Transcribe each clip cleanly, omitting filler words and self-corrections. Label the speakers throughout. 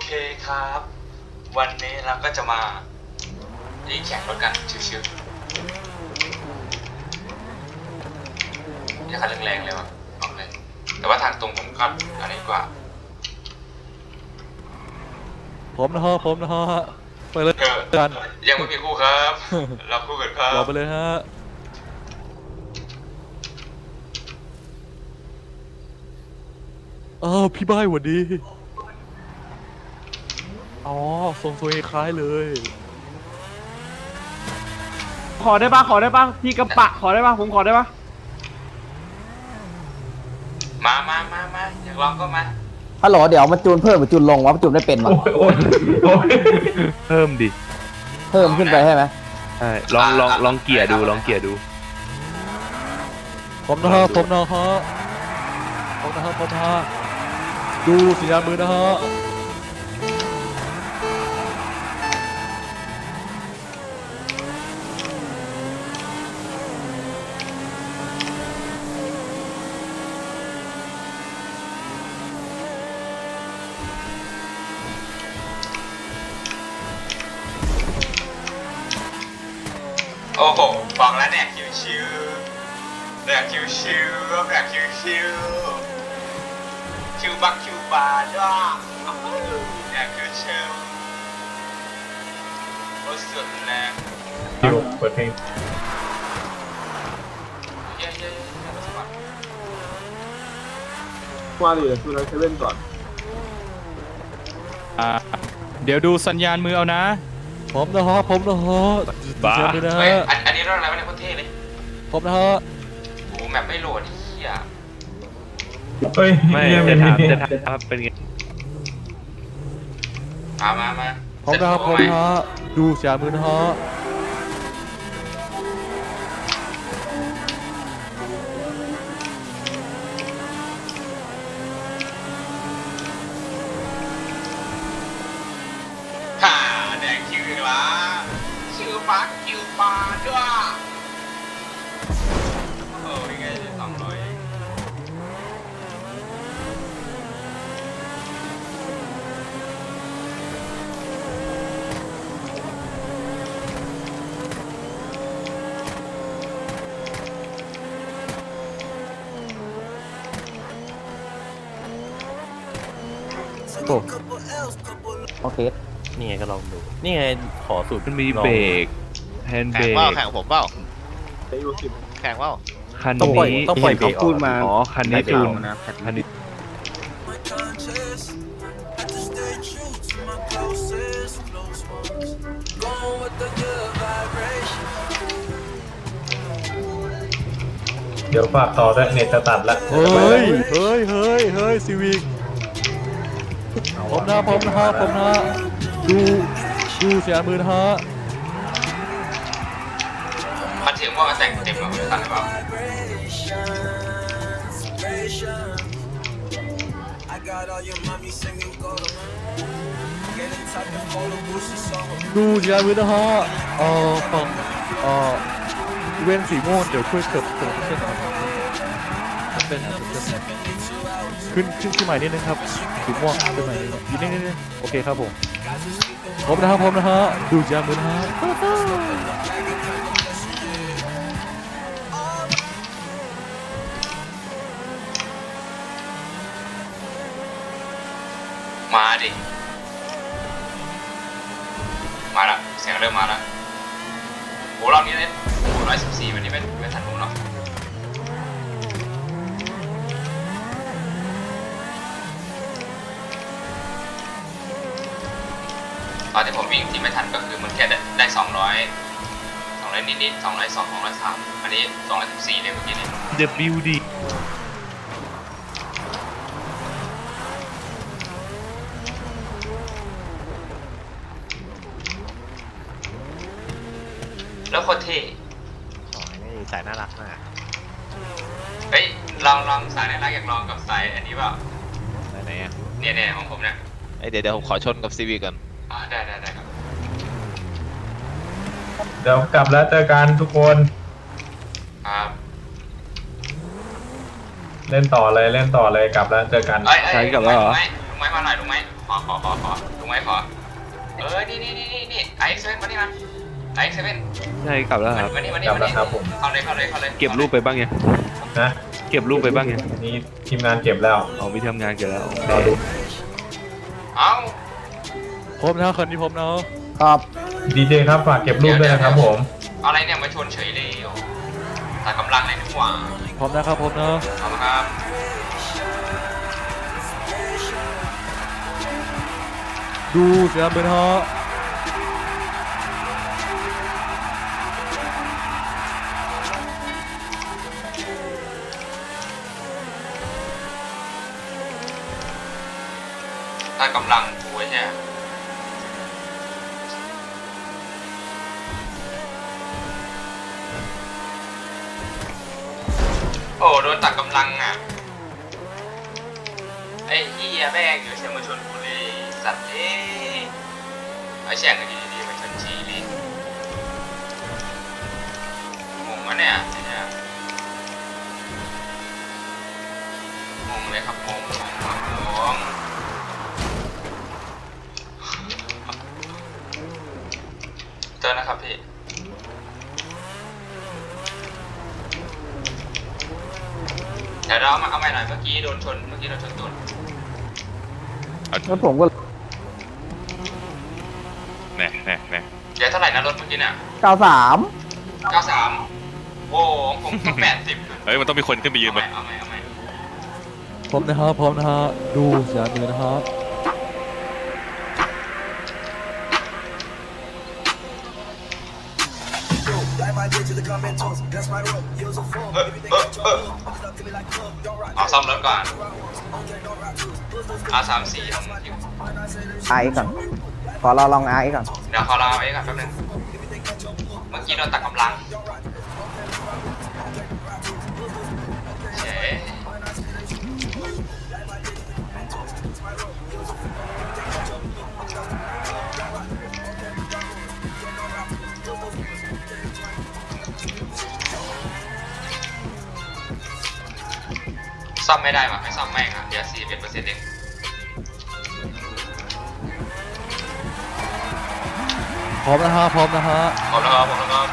Speaker 1: ครับวันนี้เราก็จะมาแข่งรถกันชิวๆอย่าขัดแรงๆเลยว่ะบอกเลยแต่ว่าทางตรงผมก็อันนี้กว่า
Speaker 2: ผมนะฮะไปเลยกัน
Speaker 1: ยังไม่มีคู่ครับเราคู่กันครับ
Speaker 2: รอไปเลยฮะพี่บ้ายหวัดดีอ๋อทรงคล้ายเลย
Speaker 3: ขอได้ปะพี่กระปะขอได้ปะผมขอได้ปะ
Speaker 1: มาอยากลองก็มา
Speaker 4: ฮัลโหลเดี๋ยวมาจูนเพิ่มหรือจูนลงวะจูนไม่เป็นวะ
Speaker 5: เพิ่มดิ
Speaker 4: เพิ่มขึ้นไปใช่ไหม
Speaker 5: ใช่ลองเกียร์ดู
Speaker 2: ผมนะฮะดูสัญญาณมือนะฮะ
Speaker 1: โอ้โหบอกแล้วเนี่ยชิวๆแบบชิวบักคิวบาร์ด้วยเนี่ยชิวโอ้สุดแรง
Speaker 6: คิวเปิดเพลง
Speaker 1: เย้
Speaker 3: มาดิคือเราเซเว่นก่อน
Speaker 7: เดี๋ยวดูสัญญาณมือเอานะ
Speaker 2: ผมนะฮะสัญญาณมือนะ
Speaker 1: เฮ้ย
Speaker 2: ฮะ
Speaker 1: อันนี้รถอะไรวะเนี่ยโคตรเท่เลย
Speaker 2: ผมนะฮะ
Speaker 1: โอ้แมปไม่โหลดไอ้เหี้ย
Speaker 6: เฮ้ย
Speaker 5: ไม่
Speaker 6: เยี่ยม
Speaker 5: จะถามว่าเป็นไง
Speaker 1: มา
Speaker 2: ผมนะฮะดูสัญญาณมือนะฮะ
Speaker 1: ฮ่าแดงคิวอีกละชื่อบักคิวบาร์ด้วยโอ้ยไง200
Speaker 2: โอ้
Speaker 4: โอเค
Speaker 5: นี่ไงก็ลองดูนี่ไงขอสูตรมันมี
Speaker 2: ลอง
Speaker 5: เบรกแฮนด์เบรก
Speaker 8: แข่งผมเปล่า
Speaker 3: ไปอยู่10
Speaker 8: แข่งเปล่า
Speaker 5: คัน
Speaker 2: ต้องปล่อย
Speaker 5: นี้
Speaker 2: ต้องปล่อยเบรกออก
Speaker 5: อ๋อคันนี้จูนคันนี้
Speaker 6: เดี๋ยวฝากต่อด้วยเน็ตจะตัดละ
Speaker 2: เฮ้ยซีวิกผมนะดูสัญญาณมือนะฮะ
Speaker 1: มันถึงว่าแต่งเต็มหรอไม่ทันหรือเปล่า
Speaker 2: ดูสัญญาณมือนะฮะฝั่งเว้นสีม่วงเดี๋ยวช่วยเถิบเส้นหน่อยเป็นขึ้นใหม่นิดนึงครับสีม่วงขึ้นใหม่นิดนึงโอเคครับผมนะฮะดูสัญญาณมือนะฮะ
Speaker 1: มาดิมาละเสียงเริ่มมาละโหรอบนี้เนี่ยโห114วันนี้ไม่ทันผมหรอกตอนที่ผมวิ่งที่ไม่ทันก็คือมันแค่ได้200นิดๆ202 203อันนี้214เลยเมื่อกี้เนี่ย
Speaker 5: WD
Speaker 1: แล้วโคตรเท่
Speaker 8: โอ้ยนี่สายน่ารักมาก
Speaker 1: เฮ้ยลองสายน่ารักอยากลองกับสายอันนี้เปล่า
Speaker 8: ไหนอ่ะ
Speaker 1: เนี่ยของผมเนี่ย
Speaker 8: เดี๋ยวผมขอชนกับซีวีก่อน
Speaker 1: ได้ครับ
Speaker 6: เดี๋ยวกลับแล้วเจอกันทุกคน
Speaker 1: ครับ
Speaker 6: เล่นต่อเลยกลับแล้วเจอกัน
Speaker 1: ใช่กับแล้วเหรอลุงไม้มาหน่อยลุงไม้ขอลุงไว้ขอนี่ไอซ์เซเว่นมานี่มันไอซ์เซเว่น
Speaker 5: ใช่กลับแล้วครับ
Speaker 1: มานี่
Speaker 6: กลับแล้วครับผม
Speaker 1: เข้าเลย
Speaker 5: เก็บรูปไปบ้างยัง
Speaker 6: นะ
Speaker 5: เก็บรูปไปบ้างยัง
Speaker 6: นี่ทีมงานเก็บแล้ว
Speaker 5: เอามีทำงานเก็บแล้วโอเค
Speaker 6: รอดู
Speaker 1: เอ้า
Speaker 2: พบนะคันนี้พบนะ
Speaker 4: ครับ
Speaker 6: ดีเจครับฝากเก็บรูปด้วยนะครับผม
Speaker 1: เอาอะไรเนี่ยมาชนเฉยเลยตัดกำลังเลยดีกว่า
Speaker 2: พร้อมนะครับพร้อมนะ
Speaker 1: เอาละครับ
Speaker 2: ดูสัญญาณมือนะฮะ
Speaker 1: ตัดกำลังกูใช่โอ้โดนตัดกำลังอ่ะไอ้เหี้ยแม่งอยู่เชียงมาชนกูเลยสัตว์ไอ้แช่งกันดีๆมาชนชีเลยงงวะเนี่ยงงเลยครับงงเจอนะครับพี่เดี๋ยวเราเอาใหม่หน่อยเมื่อกี้โดนชนตูด
Speaker 4: แล้วผมก็
Speaker 1: เดี๋ยวเท่าไหร่นะรถเมื่อกี้เนี่ย
Speaker 4: 93
Speaker 1: 93โอ้ผมต้อง80
Speaker 9: เฮ้ย มันต้องมีคนขึ้นไปยืน
Speaker 1: เอา
Speaker 9: ไป
Speaker 1: ใหม่
Speaker 2: พร้อมนะฮะพร้อมนะฮะดูสัญญาณมือนะฮะ
Speaker 1: เอาซ่อมรถก่อนR34ลงอยู่
Speaker 4: RX ก่อน ขอเราลอง RX ก่อน
Speaker 1: เดี๋ยวขอรอไว้ก่อนแป๊บนึงเมื่อกี้โดนตัดกำลังเฉยซ่อมไม่ได้ว่ะไม่ซ่อมแม่งอ่ะเดี๋ยว41%เอง
Speaker 2: พร้อมนะฮะพร้อมนะฮะ
Speaker 1: พร้อมแล้วครับ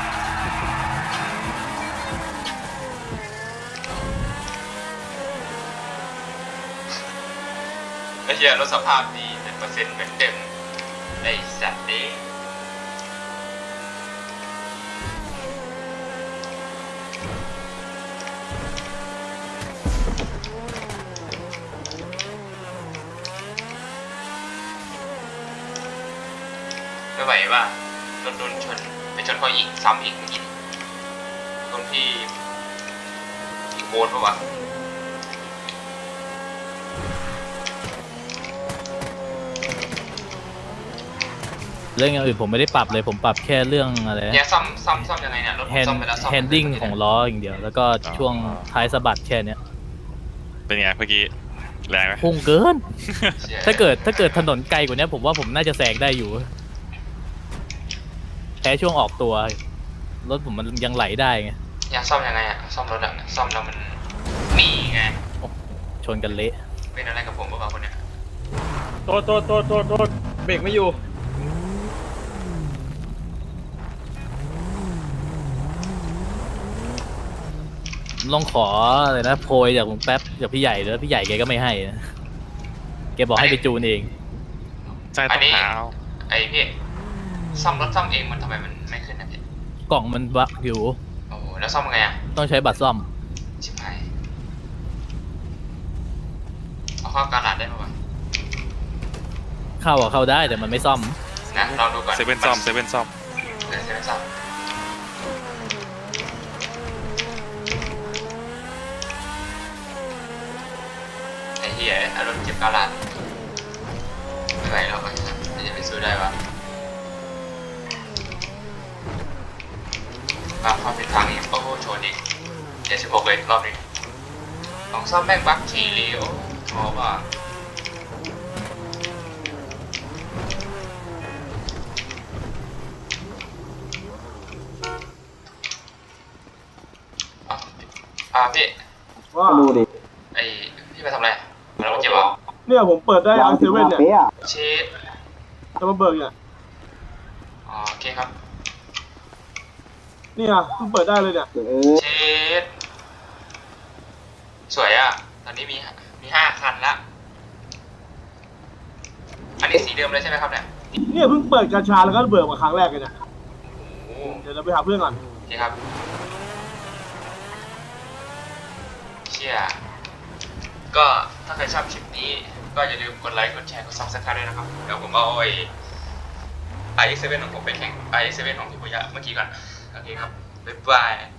Speaker 1: ไอ้เหี้ยรถสภาพดีเป็นเปอร์เซ็นต์เหมือนเดิมไอ้สัตว์นี้ไม่ไหวว่ะโดนชนไปชนเขาอีกซ้ำอีกตรงที่อีกโบนปะวะ
Speaker 10: เรื่องอย่างอื่นผมไม่ได้ปรับเลยผมปรับแค่เรื่องอะไร
Speaker 1: เนี่ยซ่อมยังไงเนี่ยรถผมซ่อมไปแล้วซ่อม
Speaker 10: แฮนดิ้งของล้ออย่างเดียวแล้วก็ช่วงท้ายสะบัดแค่เนี้ย
Speaker 9: เป็นไงเมื่อกี้ แรงไหม
Speaker 10: พุ่งเกิน
Speaker 1: เชี่ย
Speaker 10: ถ้าเกิดถนนไกลกว่านี้ผมว่าผมน่าจะแซงได้อยู่แค่ช่วงออกตัวรถผมมันยังไหลได้ไง
Speaker 1: อยากซ่อมยังไงอะซ่อมรถอะซ่อมแล้วมันมีไง
Speaker 10: ชนกันเละ
Speaker 1: เป็นอะไรกับผมบ้างคนเนี้ย
Speaker 3: โทษเบรกไม่อยู่
Speaker 10: ลองขออะไรนะโพยจากลุงแป๊บจากพี่ใหญ่แล้วพี่ใหญ่แกก็ไม่ให้นะแกบอกให้ไปจูนเอง
Speaker 9: ใช่ต้องหาเอา
Speaker 1: ไอพี่ซ่อมรถซ่อมเองมันทำไมมันไม่ขึ้นนะพี่
Speaker 10: กล่องมันบั๊กอยู่
Speaker 1: โอ้โหแล้วซ่อมยังไงอะ
Speaker 10: ต้องใช้บัตรซ่อม
Speaker 1: ชิบหายเอาเข้าการหลาดได้ไหมวะ
Speaker 10: เข้าได้แต่มันไม่ซ่อม
Speaker 1: นะลองดูก่อน
Speaker 9: เซเว่นซ่อม
Speaker 1: เซเว่นซ่อมไอ้เหี้ยอารมณ์เจ็บการหลาดไม่ไหวแล้วไอ้สัสจะไปซื้อได้วะมาเข้าผิดทางอีกโอ้โหชนอีก76เลยรอบนี้ของซ่อมแม่งบั๊กทีเลียวเพราะว่าพี่
Speaker 4: ดูดิ
Speaker 1: ไอพี่ไปทำอะไรแล้วมันเจ็บเหรอ
Speaker 3: เนี่ยผมเปิดได้เอาเซเว่นเนี่ย
Speaker 1: เชด
Speaker 3: จะมาเบิกเนี่ย
Speaker 1: อ๋อโอเคครับ
Speaker 3: เนี่ยเพิ่งเปิดได้เลยเนี่ย
Speaker 1: เชดสวยอ่ะ ตอนนี้มี5 คันละ อันนี้สีเดิมเลยใช่ไหมครับเนี่ย
Speaker 3: เนี่ยเพิ่งเปิดกาชาแล้วก็เบิกมาครั้งแรกเลยเนี่ย
Speaker 1: โอ้
Speaker 3: เดี๋ยวเราไปหาเพื่อนก่อน
Speaker 1: โอเคครับ เชี่ยก็ถ้าใครชอบคลิปนี้ ก็อย่าลืมกดไลค์ กดแชร์ กด Subscribe ด้วยนะครับ เดี๋ยวผมเอาiX7 ของผมไปแข่ง iX7 ของพี่ปุยะเมื่อกี้ก่อน โอเคครับ บ๊ายบาย